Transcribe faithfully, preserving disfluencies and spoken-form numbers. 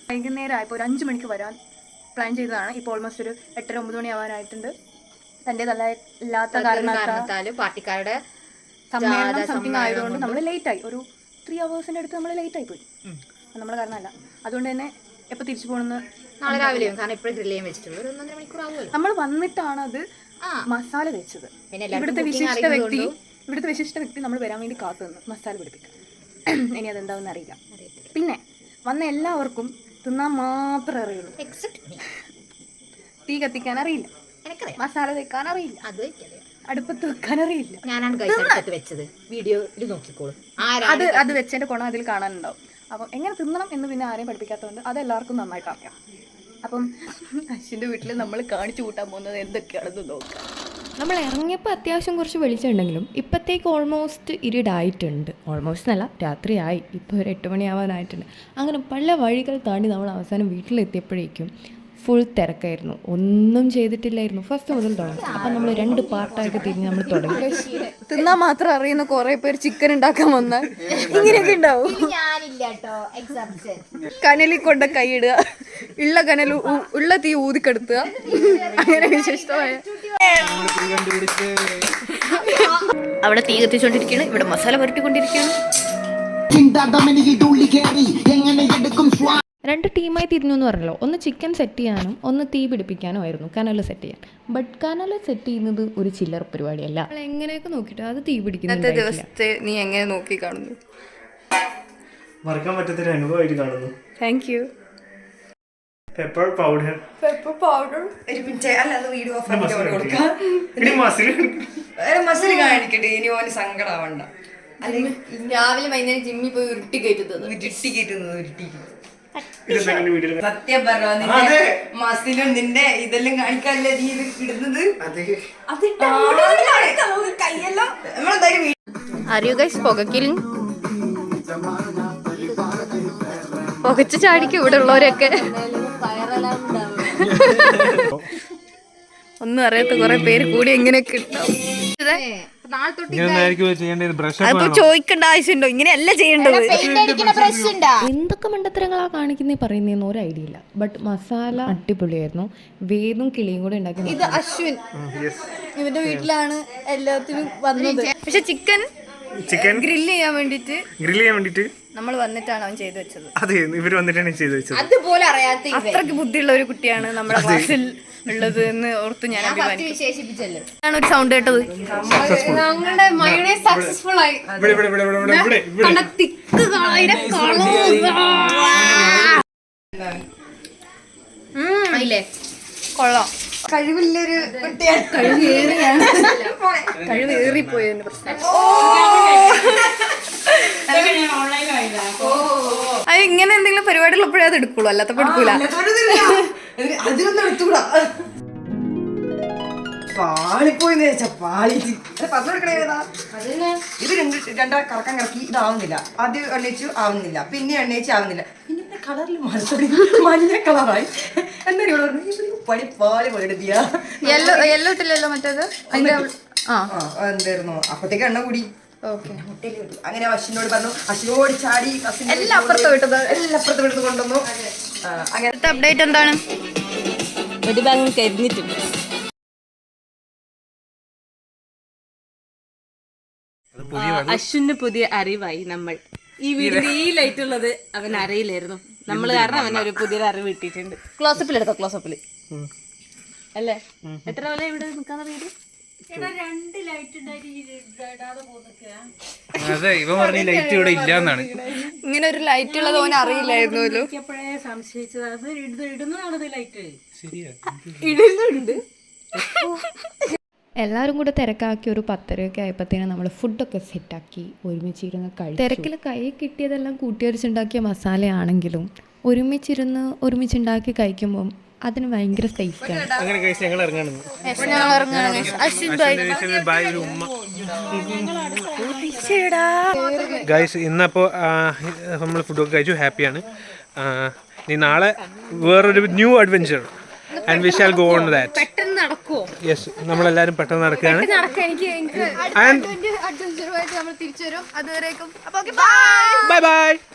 വൈകുന്നേരം ആയപ്പോൾ ഒരു അഞ്ച് മണിക്ക് വരാൻ പ്ലാൻ ചെയ്തതാണ്. ഇപ്പോൾ ഓൾമോസ്റ്റ് ഒരു എട്ടര ഒമ്പത് മണി ആവാനായിട്ടുണ്ട്. തൻ്റെതല്ല ഇല്ലാത്ത കാരണത്താൽ പാർട്ടിക്കാരുടെ സമ്മേളനം സംതിങ് ആയതുകൊണ്ട് നമ്മൾ ലേറ്റ് ആയി. ഒരു ത്രീ അവേഴ്സിന്റെ അടുത്ത് നമ്മൾ ലേറ്റ് ആയി പോയി. നമ്മളെ കാരണമല്ല. അതുകൊണ്ട് തന്നെ എപ്പോൾ തിരിച്ചു പോകണമെന്ന് നാളെ രാവിലെ കാരണം ഇപ്പോഴും ഗ്രില്ല് ചെയ്യാൻ വെച്ചിട്ടുള്ളൂ. ഒരു ഒന്നര മണിക്കൂർ ആവുമല്ലോ. നമ്മൾ വന്നിട്ടാണ് അത് മസാല വെച്ചത്. ഇവിടുത്തെ വിശിഷ്ട വ്യക്തി ഇവിടുത്തെ വിശിഷ്ട വ്യക്തി നമ്മൾ വരാൻ വേണ്ടി കാത്തു നിന്ന് മസാല പിടിപ്പിക്കാം. ഇനി അതെന്താണെന്ന് അറിയില്ല. പിന്നെ വന്ന എല്ലാവർക്കും തിന്നാൻ മാത്രമേ അറിയുള്ളൂ. തീ കത്തിക്കാൻ അറിയില്ല, മസാല വെക്കാൻ അറിയില്ല, അടുപ്പത്ത് വെക്കാൻ അറിയില്ല. ഞാനാണ് അടുപ്പത്ത് വെച്ചത്. വീഡിയോയിൽ നോക്കിക്കോളും. അത് അത് വെച്ചതിന്റെ ഗുണം അതിൽ കാണാനുണ്ടാവും. അപ്പം എങ്ങനെ തിന്നണം എന്ന് പിന്നെ ആരെയും പഠിപ്പിക്കാത്തതുകൊണ്ട് അത് എല്ലാവർക്കും നന്നായിട്ട് അറിയാം. അപ്പം അശ്വിൻ്റെ വീട്ടിൽ നമ്മൾ കാണിച്ചു കൂട്ടാൻ പോകുന്നത് എന്തൊക്കെയാണെന്ന് നോക്കാം. നമ്മൾ ഇറങ്ങിയപ്പോൾ അത്യാവശ്യം കുറച്ച് വെളിച്ചമുണ്ടെങ്കിലും ഇപ്പോഴത്തേക്ക് ഓൾമോസ്റ്റ് ഇരുടായിട്ടുണ്ട്. ഓൾമോസ്റ്റ് അല്ല, രാത്രിയായി. ഇപ്പോൾ ഒരു എട്ട് മണിയാവാനായിട്ടുണ്ട്. അങ്ങനെ പല വഴികൾ താണ്ടി നമ്മൾ അവസാനം വീട്ടിലെത്തിയപ്പോഴേക്കും ഫുൾ തിരക്കായിരുന്നു. ഒന്നും ചെയ്തിട്ടില്ലായിരുന്നു ഫസ്റ്റ് മുതൽ തുടങ്ങി. അപ്പം നമ്മൾ രണ്ട് പാർട്ടായിട്ട് തിരിഞ്ഞ് നമ്മൾ തുടങ്ങി. തിന്നാൻ മാത്രം അറിയുന്ന കുറേ പേര് ചിക്കൻ ഉണ്ടാക്കാൻ വന്നാൽ ഇങ്ങനെയൊക്കെ ഉണ്ടാവും. കനലിൽ കൊണ്ട് കൈയിടുക, ഉള്ള കനൽ ഉള്ള തീ ഊതിക്കെടുത്തുക, അങ്ങനെ വിശിഷ്ടമായ. അവിടെ തീ കത്തിച്ചോണ്ടിരിക്കുകയാണ്, ഇവിടെ മസാല പുരട്ടിക്കൊണ്ടിരിക്കുകയാണ്. രണ്ട് ടീമായി തിരിഞ്ഞു എന്ന് പറഞ്ഞല്ലോ. ഒന്ന് ചിക്കൻ സെറ്റ് ചെയ്യാനും ഒന്ന് തീ പിടിപ്പിക്കാനും ആയിരുന്നു, കനൽ സെറ്റ് ചെയ്യാൻ. ബട്ട് കനൽ സെറ്റ് ചെയ്യുന്നത് ഒരു ചില്ലർ പരിപാടിയല്ല. എങ്ങനെയൊക്കെ നോക്കിയിട്ട് അത് തീ പിടിക്കുന്ന ദിവസത്തെ നീ എങ്ങനെ നോക്കി കാണുന്നു? മറക്കാൻ പറ്റാത്തൊരു അനുഭവമായിട്ട് കാണുന്നു. Thank you. Pepper powder pepper powder ഒരു മിനിറ്റ്. അല്ല, അത് വീഡിയോ ഓഫ് ആക്കിട്ട് കൊടുക്കാം. മസിൽ കാണിക്കട്ടെ, ഇനി ഓന് സങ്കടാവണ്ട. അല്ലെങ്കിൽ രാവിലെ വൈകുന്നേരം ജിമ്മിൽ പോയി ഉരുട്ടി കയറ്റുന്നത് ഉരുട്ടി കയറ്റുന്നത് ഉരുട്ടി സത്യം പറഞ്ഞ മസിലും നിന്റെ ഇതെല്ലാം കാണിക്കാനല്ലേ നീ ഇത് ഇടുന്നത്. കയ്യെല്ലാം നമ്മളെന്തായാലും അറിയോ ഗൈസ്, പുകക്കിലും പുകച്ച് ചാടിക്കും ഇവിടെ ഉള്ളവരൊക്കെ. ഒന്നും അറിയാത്ത കുറെ പേര് കൂടി എങ്ങനെയൊക്കെ ഉണ്ടാവും. അപ്പൊ ചോദിക്കേണ്ട ആവശ്യമുണ്ടോ? ഇങ്ങനെയല്ല ചെയ്യേണ്ടത്. എന്തൊക്കെ മണ്ടത്തരങ്ങളാ കാണിക്കുന്നേ പറയുന്നതെന്ന് ഒരു ഐഡിയ ഇല്ല. ബട്ട് മസാല അടിപൊളിയായിരുന്നു. വേദും കിളിയും കൂടെ ഉണ്ടാക്കി. ഇത് അശ്വിൻ ഇവന്റെ വീട്ടിലാണ് എല്ലാത്തിനും വന്നത്. പക്ഷെ ചിക്കൻ ചിക്കൻ ഗ്രില്ല് ചെയ്യാൻ വേണ്ടിട്ട് ഗ്രില്ല് ചെയ്യാൻ വേണ്ടിട്ട് നമ്മൾ വന്നിട്ടാണ് അവൻ ചെയ്തു വെച്ചത്. അതെ, ഇവര് വന്നിട്ടാണ് ചെയ്തു വെച്ചത്. അതുപോലെ അറിയാത്ത അത്രയ്ക്ക് ബുദ്ധിയുള്ള ഒരു കുട്ടിയാണ് നമ്മുടെ ക്ലാസ്സിൽ ഉള്ളത് എന്ന് ഓർത്ത് ഞാൻ വിശേഷിപ്പിച്ചല്ലോ. ആണ് ഒരു സൗണ്ട് കേട്ടത്. ഞങ്ങളുടെ മയോണൈസ് സക്സസ്ഫുൾ ആയി. കൊള്ളാം. കഴിവില്ലൊരു കുട്ടിയാണ്. കഴിവേറിയാണ്. കഴിവേറിപ്പോയതിന്റെ പ്രശ്നം. അത് ഇങ്ങനെ എന്തെങ്കിലും പരിപാടിയുള്ളപ്പോഴേ അത് എടുക്കുള്ളൂ, അല്ലാത്തപ്പോ എടുക്കൂല. അതിനൊന്നും എടുത്തുകൂടാ. പാളിപ്പോയിന്ന് വെച്ചാ പാളി പറഞ്ഞു കൊടുക്കണേ. ഇത് രണ്ട് രണ്ടര കറക്കം കറക്കി ഇതാവുന്നില്ല. ആദ്യം എണ്ണയിച്ചു ആവുന്നില്ല, പിന്നെ എണ്ണയിച്ച് ആവുന്നില്ല, പിന്നെ കളറിൽ മാറി മഞ്ഞ കളറായി. എന്തായാലും ഇവിടെ പറഞ്ഞു പണി പാളി പോലെടുത്തിയാ. യെല്ലോ യെല്ലോ ഇട്ടില്ലല്ലോ മറ്റേത്. എന്തായിരുന്നു അപ്പത്തേക്ക് എണ്ണ കൂടി. ഓക്കെ, അങ്ങനെ അശ്വിനോട് പറഞ്ഞു. അശ്വിനോട് ചാടി എല്ലാം അപ്പുറത്ത് വിട്ടത് എല്ലാം അപ്പുറത്ത് വിട്ടത് കൊണ്ടുവന്നു. അങ്ങനത്തെ അപ്ഡേറ്റ് എന്താണ്? ഒരു ഭാഗം കരിഞ്ഞിട്ടുണ്ട്. അശ്വിന് പുതിയ അറിവായി. നമ്മൾ ഈ വീടിന്റെ ഈ ലൈറ്റ് ഉള്ളത് അവൻ അറിയില്ലായിരുന്നു. നമ്മൾ കാരണം അവൻ ഒരു പുതിയൊരു അറിവ് കിട്ടിയിട്ടുണ്ട്. ക്ലോസപ്പിൽ എടുത്തോ, ക്ലോസപ്പിൽ അല്ലേ? എത്ര പോലെ ഇവിടെ നിൽക്കാന്ന് വീട്? അതെ, ഇവ പറഞ്ഞ ലൈറ്റ് ഇവിടെ ഇല്ലാന്നാണ്. ഇങ്ങനെ ഒരു ലൈറ്റ് ഉള്ളത് ഓൻ അറിയില്ലായിരുന്നു. സംശയിച്ചത് അത് ഇടുന്നതാണത് ലൈറ്റ്. ശരിയാ, ഇടുന്നുണ്ട്. എല്ലാവരും കൂടെ തിരക്കാക്കി ഒരു പത്തരയൊക്കെ ആയപ്പോഴത്തേനും നമ്മൾ ഫുഡൊക്കെ സെറ്റാക്കി ഒരുമിച്ചിരുന്ന് കഴിച്ചു. തിരക്കിൽ കൈ കിട്ടിയതെല്ലാം കൂട്ടിയരിച്ചുണ്ടാക്കിയ മസാലയാണെങ്കിലും ഒരുമിച്ചിരുന്ന് ഒരുമിച്ചുണ്ടാക്കി കഴിക്കുമ്പം അതിന് ഭയങ്കര ടേസ്റ്റാണ്. അങ്ങനെ കഴിച്ച് ഞങ്ങൾ ഇറങ്ങാണ്. ഗൈസ്, ഇന്നപ്പോൾ നമ്മൾ ഫുഡൊക്കെ കഴിച്ചു, ഹാപ്പിയാണ്. ഇനി നാളെ വേറൊരു new adventure and we shall go on that. പെട്ടെന്ന് നടക്കുമോ? യെസ്, നമ്മളെല്ലാവരും പെട്ടെന്ന് നടക്കുകയാണ്. അഡ്വഞ്ചറുമായിട്ട് നമ്മൾ തിരിച്ചു വരും. അതുവരേക്കും ബൈ ബൈ.